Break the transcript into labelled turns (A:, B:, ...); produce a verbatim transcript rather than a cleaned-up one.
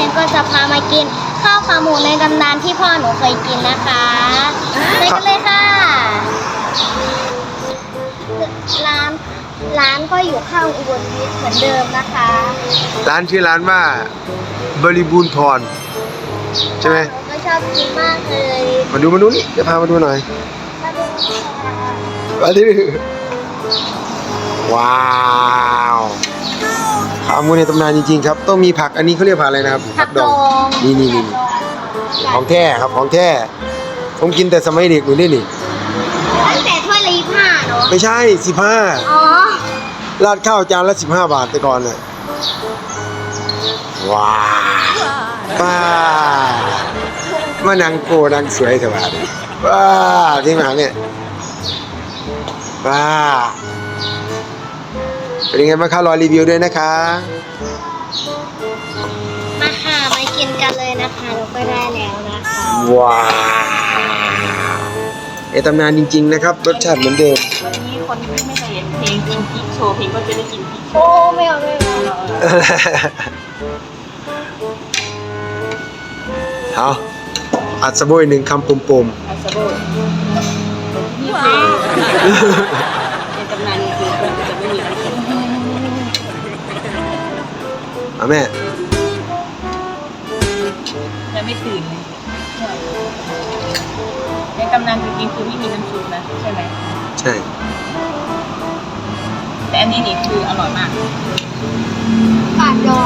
A: นก็จะพามากินข้าวขาหมูในตำนานที่พ่อหนูเคยกินนะคะไปกันเลยค่ะร้านร้านก็อยู่ข้างอุบลวิทย์เหมือนเดิมนะคะ
B: ร้านชื่อร้านว่าบริบูรณ์พรใช่ไหม
A: หนูก็ชอบกินมากเลย
B: มาดูมาดูนี่จะพามาดูหน่อย
A: มาดูค่ะ
B: มาดิว้าวขาหมูในตำนานจริงๆครับต้องมีผักอันนี้เขาเรียกผักอะไรนะครับ
A: ผักดอง
B: นี่นี่นี่ของแท้ครับของแท้ผมกินแต่สมัยเด็กอยู่นี่นี่
A: ตั้งแต่ถ้วยละยี่สิบห้าเนาะ
B: ไม่ใช่สิบห้า
A: อ๋อ
B: ราดข้าวจานละสิบห้าบาทแต่ก่อนเลยว้าวป้ามานังโกนังสวยสวัสดีว้าที่มาเนี่ยป้าเป็นยังไงบ้างคะรอรีวิวด้วยนะคะ
A: มาค่ะมากินกันเลยนะคะเราก็ได้แล้วนะคะ
B: ว้าวไอตำนานจริงๆนะครับรสชาติเหมือนเดิม
C: วันนี้คนที่ไม่เคยเห็นเพลงกินพริกโชว์เพลงก็จะได้กินพริกโช
A: โอ้
C: ว์
A: ไม่เอาไม่เอา
B: เอาอัดสะโบยหนึ่งคำปม
C: อาซาโบนี่เป็นในตำนานจริงๆจะไม่มีน้ำเค็ม
B: ๆเอาแม่
C: จะไม่ตื่นเลยในตำนานจริงๆคือไม่มีน้ำซุปนะใช่ไหม
B: ใช่
C: แต่อันนี้นี่คืออร่อยมาก
A: ปากดอ